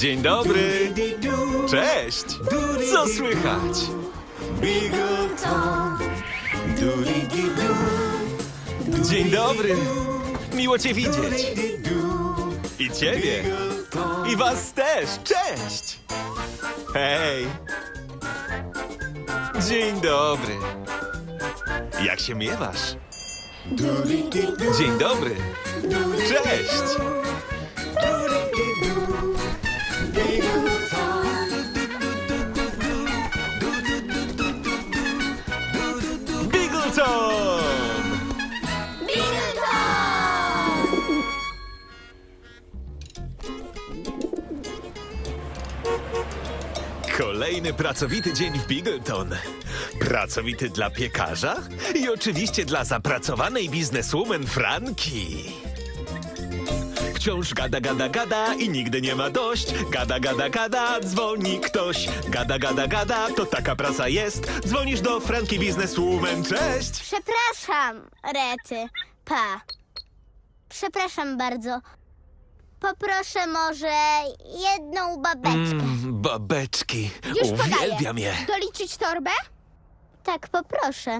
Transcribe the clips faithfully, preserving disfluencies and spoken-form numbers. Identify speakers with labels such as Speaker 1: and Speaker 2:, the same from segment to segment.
Speaker 1: Dzień dobry. Cześć. Co słychać? Dzień dobry. Miło cię widzieć. I ciebie. I was też. Cześć. Hej. Dzień dobry. Jak się miewasz? Dzień dobry. Cześć. Bigleton! Kolejny pracowity dzień w Bigleton. Pracowity dla piekarza i oczywiście dla zapracowanej bizneswoman Franki. Wciąż gada, gada, gada i nigdy nie ma dość. Gada, gada, gada, dzwoni ktoś. Gada, gada, gada, to taka praca jest. Dzwonisz do Franki bizneswoman, cześć!
Speaker 2: Przepraszam, Rety. Pa. Przepraszam bardzo. Poproszę może jedną babeczkę.
Speaker 1: Mm, babeczki,
Speaker 3: Już podaję.
Speaker 1: uwielbiam je.
Speaker 3: Doliczyć torbę?
Speaker 2: Tak, poproszę.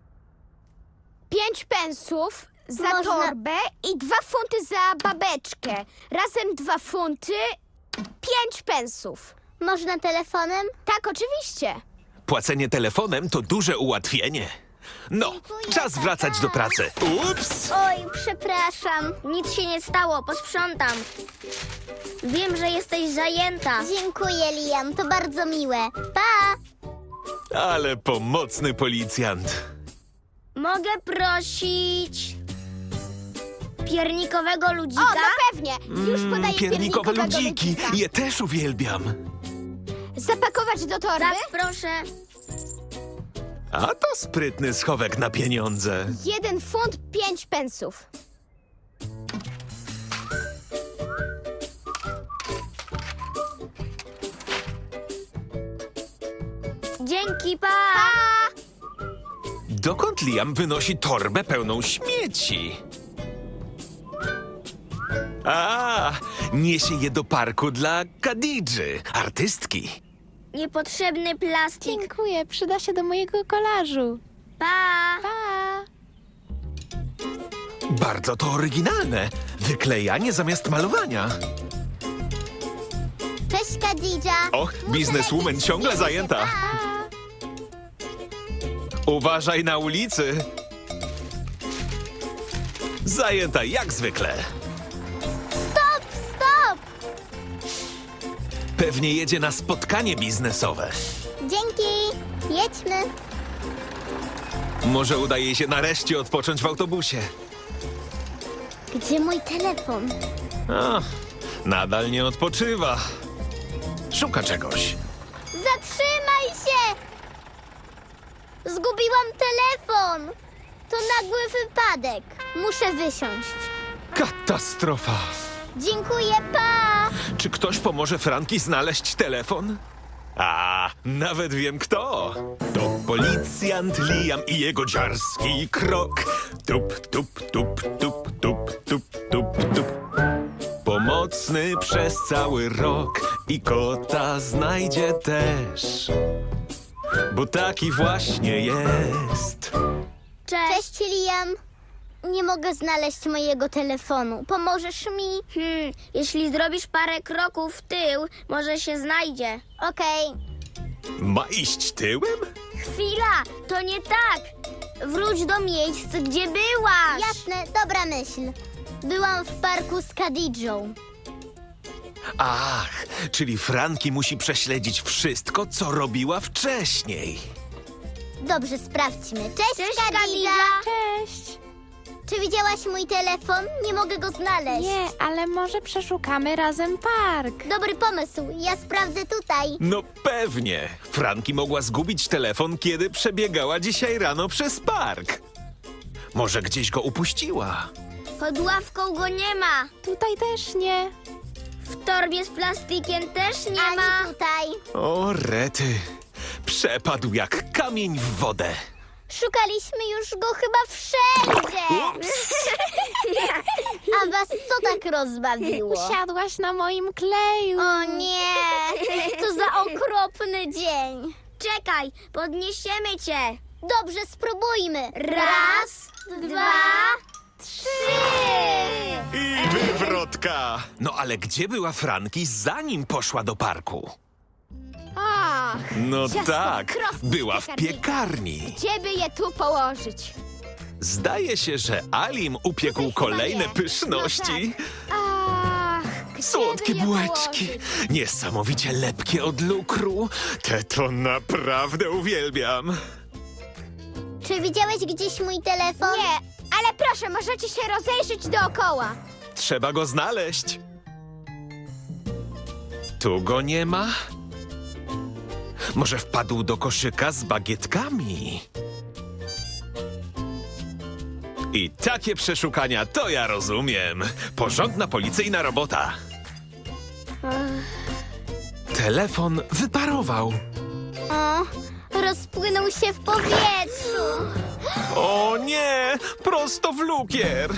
Speaker 3: Pięć pensów za
Speaker 2: Można-
Speaker 3: torbę i dwa funty za babeczkę. Razem dwa funty, pięć pensów.
Speaker 2: Można telefonem?
Speaker 3: Tak, oczywiście.
Speaker 1: Płacenie telefonem to duże ułatwienie. No,
Speaker 2: Dziękuję,
Speaker 1: czas
Speaker 2: tata.
Speaker 1: wracać do pracy. Ups!
Speaker 2: Oj, przepraszam.
Speaker 4: Nic się nie stało, posprzątam. Wiem, że jesteś zajęta.
Speaker 2: Dziękuję, Liam, to bardzo miłe. Pa!
Speaker 1: Ale pomocny policjant.
Speaker 4: Mogę prosić piernikowego ludzika?
Speaker 3: O, no pewnie. Już podaję
Speaker 1: Mm, Piernikowe
Speaker 3: piernikowego
Speaker 1: ludziki,
Speaker 3: ludzika.
Speaker 1: je też uwielbiam.
Speaker 3: Zapakować do torby?
Speaker 4: Tak, proszę.
Speaker 1: A to sprytny schowek na pieniądze.
Speaker 3: Jeden funt, pięć pensów.
Speaker 4: Dzięki, pa!
Speaker 1: Dokąd Liam wynosi torbę pełną śmieci? A, niesie je do parku dla Kadidży, artystki.
Speaker 4: Niepotrzebny plastik.
Speaker 3: Dziękuję, przyda się do mojego kolażu.
Speaker 4: Pa!
Speaker 3: Pa!
Speaker 1: Bardzo to oryginalne. Wyklejanie zamiast malowania.
Speaker 2: Cześć, Kadidża.
Speaker 1: Och,
Speaker 2: Muszę
Speaker 1: bizneswoman
Speaker 2: lecieć,
Speaker 1: ciągle
Speaker 2: widzę się,
Speaker 1: zajęta.
Speaker 2: pa.
Speaker 1: Uważaj na ulicy. Zajęta jak zwykle.
Speaker 2: Stop, stop!
Speaker 1: Pewnie jedzie na spotkanie biznesowe.
Speaker 2: Dzięki. Jedźmy.
Speaker 1: Może udaje się nareszcie odpocząć w autobusie.
Speaker 2: Gdzie mój telefon?
Speaker 1: A, nadal nie odpoczywa. Szuka czegoś.
Speaker 2: Zatrzymaj się! Zgubiłam telefon! To nagły wypadek. Muszę wysiąść.
Speaker 1: Katastrofa.
Speaker 2: Dziękuję, pa!
Speaker 1: Czy ktoś pomoże Franki znaleźć telefon? A, nawet wiem kto. To policjant Liam i jego dziarski krok. Tup, tup, tup, tup, tup, tup, tup, tup. Pomocny przez cały rok i kota znajdzie też. Bo taki właśnie jest.
Speaker 4: Cześć.
Speaker 2: Cześć, Liam. Nie mogę znaleźć mojego telefonu. Pomożesz mi?
Speaker 4: Hmm, jeśli zrobisz parę kroków w tył, może się znajdzie.
Speaker 2: Okej.
Speaker 1: Ma iść tyłem?
Speaker 4: Chwila, to nie tak. Wróć do miejsc, gdzie byłaś.
Speaker 2: Jasne, dobra myśl. Byłam w parku z Kadidżą.
Speaker 1: Ach, czyli Franki musi prześledzić wszystko, co robiła wcześniej.
Speaker 2: Dobrze, sprawdźmy. Cześć,
Speaker 4: Cześć,
Speaker 2: Kadidża.
Speaker 4: Kadidża.
Speaker 3: Cześć.
Speaker 2: Czy widziałaś mój telefon? Nie mogę go znaleźć.
Speaker 3: Nie, ale może przeszukamy razem park.
Speaker 2: Dobry pomysł. Ja sprawdzę tutaj.
Speaker 1: No pewnie. Franki mogła zgubić telefon, kiedy przebiegała dzisiaj rano przez park. Może gdzieś go upuściła.
Speaker 4: Pod ławką go nie ma.
Speaker 3: Tutaj też nie.
Speaker 4: W torbie z plastikiem też nie
Speaker 2: Ani
Speaker 4: ma.
Speaker 2: tutaj.
Speaker 1: O, rety. Przepadł jak kamień w wodę.
Speaker 2: Szukaliśmy już go chyba wszędzie. A was co tak rozbawiło?
Speaker 3: Usiadłaś na moim kleju.
Speaker 2: O nie, co za okropny dzień.
Speaker 4: Czekaj, podniesiemy cię.
Speaker 2: Dobrze, spróbujmy.
Speaker 4: Raz, dwa,
Speaker 2: trzy.
Speaker 1: I wywrotka! No ale gdzie była Franki, zanim poszła do parku?
Speaker 3: Ach,
Speaker 1: No
Speaker 3: ciasto
Speaker 1: tak,
Speaker 3: krosny z
Speaker 1: była w
Speaker 3: piekarnika.
Speaker 1: piekarni.
Speaker 3: Gdzie by je tu położyć?
Speaker 1: Zdaje się, że Alim upiekł
Speaker 3: Tutaj
Speaker 1: kolejne
Speaker 3: chyba nie.
Speaker 1: pyszności.
Speaker 3: Ach, gdzie
Speaker 1: Słodkie
Speaker 3: by je
Speaker 1: bułeczki,
Speaker 3: położyć?
Speaker 1: niesamowicie lepkie od lukru. Te to naprawdę uwielbiam.
Speaker 2: Czy widziałeś gdzieś mój telefon?
Speaker 3: Nie, ale proszę, możecie się rozejrzeć dookoła.
Speaker 1: Trzeba go znaleźć. Tu go nie ma? Może wpadł do koszyka z bagietkami? I takie przeszukania to ja rozumiem. Porządna policyjna robota. Telefon wyparował.
Speaker 2: O, rozpłynął się w powietrzu.
Speaker 1: O nie! Prosto w lukier!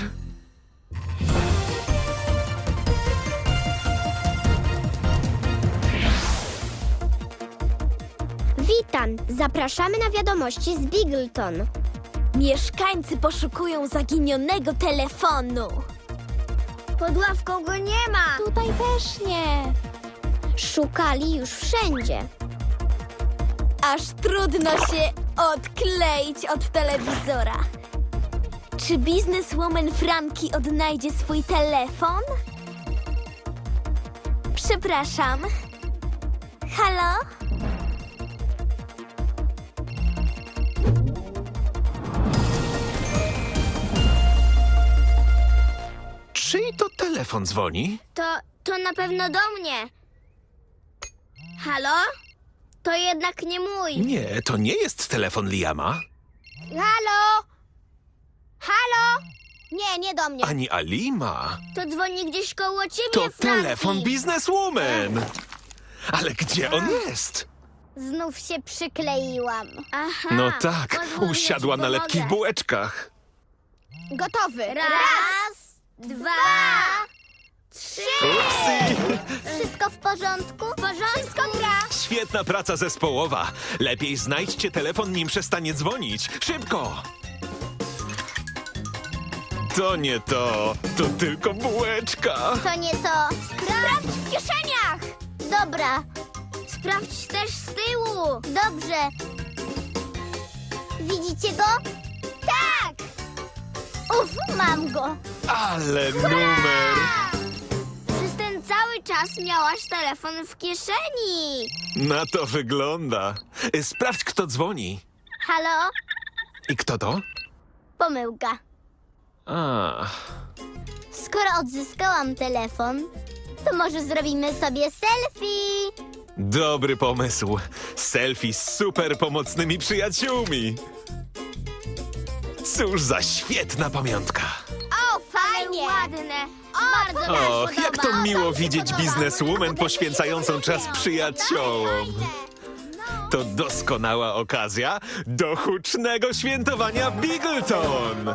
Speaker 2: Witam, zapraszamy na wiadomości z Bigleton.
Speaker 3: Mieszkańcy poszukują zaginionego telefonu.
Speaker 4: Pod ławką go nie ma.
Speaker 3: Tutaj też nie.
Speaker 2: Szukali już wszędzie.
Speaker 3: Aż trudno się odkleić od telewizora. Czy bizneswoman Franki odnajdzie swój telefon? Przepraszam. Halo?
Speaker 1: Czyj to telefon dzwoni?
Speaker 4: To, to na pewno do mnie. Halo? To jednak nie mój.
Speaker 1: Nie, to nie jest telefon Liama,
Speaker 3: Halo? Halo? Nie, nie do mnie.
Speaker 1: ani Alima.
Speaker 4: To dzwoni gdzieś koło ciebie,
Speaker 1: To
Speaker 4: Franki.
Speaker 1: telefon bizneswoman. Ale gdzie on jest?
Speaker 2: Znów się przykleiłam.
Speaker 4: Aha,
Speaker 1: No tak,
Speaker 4: pozwól, że
Speaker 1: usiadła
Speaker 4: ci
Speaker 1: na
Speaker 4: pomogę.
Speaker 1: lepkich bułeczkach.
Speaker 3: Gotowy.
Speaker 4: Raz, dwa, trzy.
Speaker 1: Upsi!
Speaker 2: Wszystko w porządku?
Speaker 4: W porządku, gra.
Speaker 1: Świetna praca zespołowa. Lepiej znajdźcie telefon, nim przestanie dzwonić. Szybko! To nie to, to tylko bułeczka.
Speaker 2: To nie to.
Speaker 3: Sprawdź w kieszeniach.
Speaker 2: Dobra,
Speaker 4: Sprawdź też z tyłu.
Speaker 2: dobrze. Widzicie go?
Speaker 3: Tak.
Speaker 2: Uf, mam go.
Speaker 1: Ale numer!
Speaker 4: Przez ten cały czas miałaś telefon w kieszeni.
Speaker 1: Na to wygląda. Sprawdź, kto dzwoni.
Speaker 2: Halo?
Speaker 1: I kto to?
Speaker 2: Pomyłka.
Speaker 1: A,
Speaker 2: Skoro odzyskałam telefon, to może zrobimy sobie selfie.
Speaker 1: dobry pomysł. Selfie z super pomocnymi przyjaciółmi. Cóż za świetna pamiątka.
Speaker 3: O, fajnie.
Speaker 4: Ładne.
Speaker 2: Bardzo mi się
Speaker 1: Och, jak to
Speaker 2: podoba.
Speaker 1: miło
Speaker 2: mi się
Speaker 1: widzieć
Speaker 2: podoba.
Speaker 1: bizneswoman poświęcającą czas przyjaciołom. To doskonała okazja do hucznego świętowania Bigleton.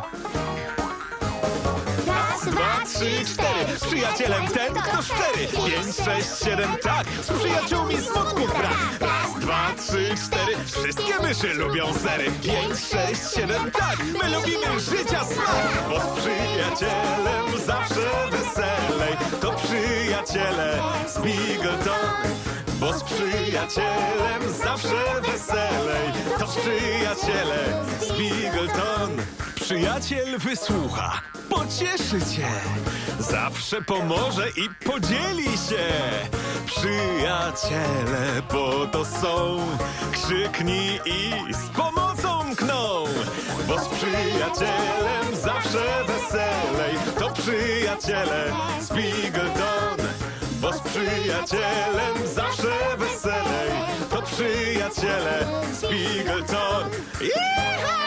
Speaker 2: Raz,
Speaker 1: Dwa, trzy, cztery. Z przyjacielem ten, kto szczery. Pięć, sześć, siedem, tak. Z przyjaciółmi smutków brak. Raz, dwa, trzy, cztery. Wszystkie myszy lubią sery. Pięć, sześć, siedem, tak. My lubimy życia smak. Bo z przyjacielem zawsze weselej. To przyjaciele z Bigleton. Bo z przyjacielem zawsze weselej. To przyjaciele z Bigleton. Przyjaciel wysłucha, pocieszy cię, zawsze pomoże i podzieli się. Przyjaciele po to są, krzyknij i z pomocą kną. Bo z przyjacielem zawsze weselej. To przyjaciele z Bigleton. Bo z przyjacielem zawsze weselej. To przyjaciele z Bigleton. Iha!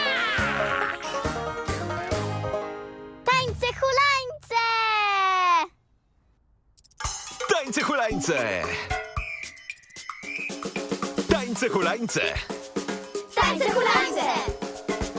Speaker 2: Tańce hulańce!
Speaker 1: Tańce hulańce! Tańce hulańce!
Speaker 2: Tańce hulańce!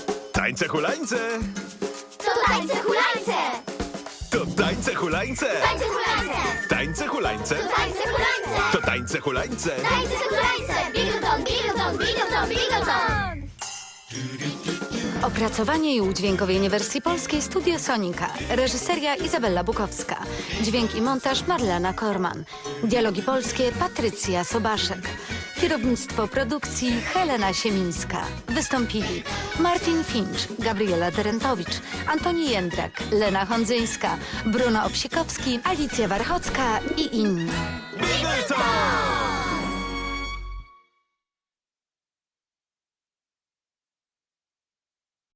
Speaker 1: tańce hulańce,
Speaker 2: To tańce hulańce!
Speaker 1: to tańce hulańce,
Speaker 2: Tańce hulańce!
Speaker 1: tańce hulańce,
Speaker 2: Tańce hulańce!
Speaker 1: to tańce hulańce.
Speaker 2: Tańce hulańce! Bigleton, bigleton, bigleton, bigleton!
Speaker 5: Opracowanie i udźwiękowienie wersji polskiej Studio Sonika. Reżyseria Izabella Bukowska. Dźwięk i montaż Marlena Korman. Dialogi polskie Patrycja Sobaszek. Kierownictwo produkcji Helena Siemińska. Wystąpili Martin Finch, Gabriela Terentowicz, Antoni Jędrak, Lena Hondzyńska, Bruno Obsikowski, Alicja Warchocka i inni.
Speaker 1: Bigleton!